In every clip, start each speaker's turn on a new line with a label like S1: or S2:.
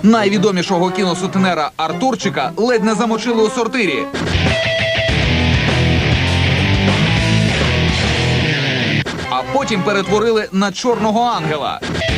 S1: Найвідомішого кіносутенера Артурчика ледь не замочили у сортирі. А потім перетворили на чорного ангела.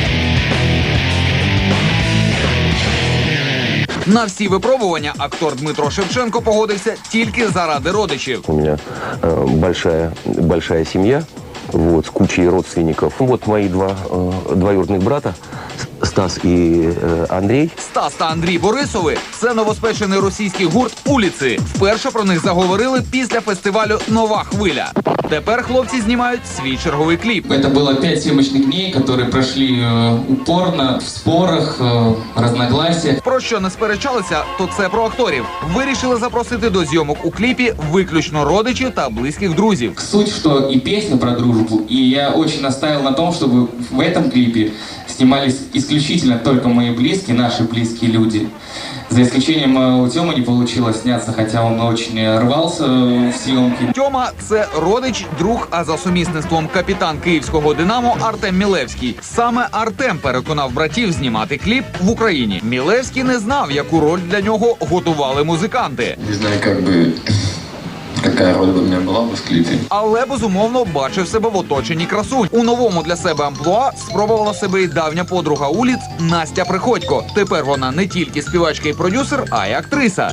S1: На всі випробування актор Дмитро Шевченко погодився тільки заради родичів.
S2: У меня большая семья, вот, с кучей родственников. Вот мои два двоюродных брата, Стас и Андрей.
S1: Стас та Андрій Борисови – це новоспечений російський гурт «Уліці». Вперше про них заговорили після фестивалю «Нова хвиля». Тепер хлопці знімають свій черговий кліп.
S3: Это было 5 съемочных дней, которые прошли упорно, в спорах, разногласиях.
S1: Про що не сперечалися, то це про акторів. Вирішили запросити до зйомок у кліпі виключно родичів та близьких друзів.
S3: Суть, что и песня про дружбу, и я очень настаивал на том, чтобы в этом клипе снимались исключительно только мои близкие, наши близкие люди. За исключением у Тёмы не получилось сняться, хотя он очень рвался в съемки.
S1: Тьома – це родич, друг, а за сумісництвом капітан київського «Динамо» Артем Мілевський. Саме Артем переконав братів знімати кліп в Україні. Мілевський не знав, яку роль для нього готували музиканти.
S4: Не знаю, какая роль бы у меня была бы в клипе.
S1: Але, безумовно, бачив себе в оточенні красунь. У новому для себе амплуа спробувала себе і давня подруга Уліц Настя Приходько. Тепер вона не тільки співачка і продюсер, а й актриса.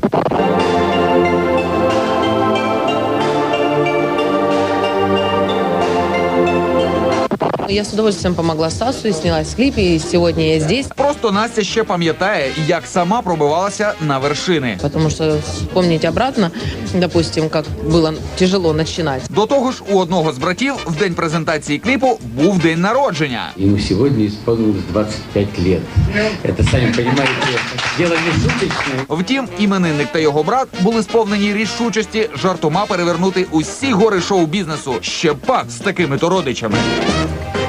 S5: Я с удовольствием помогла Стасу и снялась в клипе, и сегодня я здесь.
S1: Просто Настя ще пам'ятає, як сама пробивалася на вершини.
S5: Потому что вспомнить обратно, допустим, как было тяжело начинать.
S1: До того ж, у одного з братів в день презентації кліпу був день народження.
S6: Ему сегодня исполнилось 25 лет. Это, сами понимаете, дело не шуточное.
S1: Втім, іменинник та його брат були сповнені рішучості жартома перевернути усі гори шоу-бізнесу. Ще пак з такими-то родичами.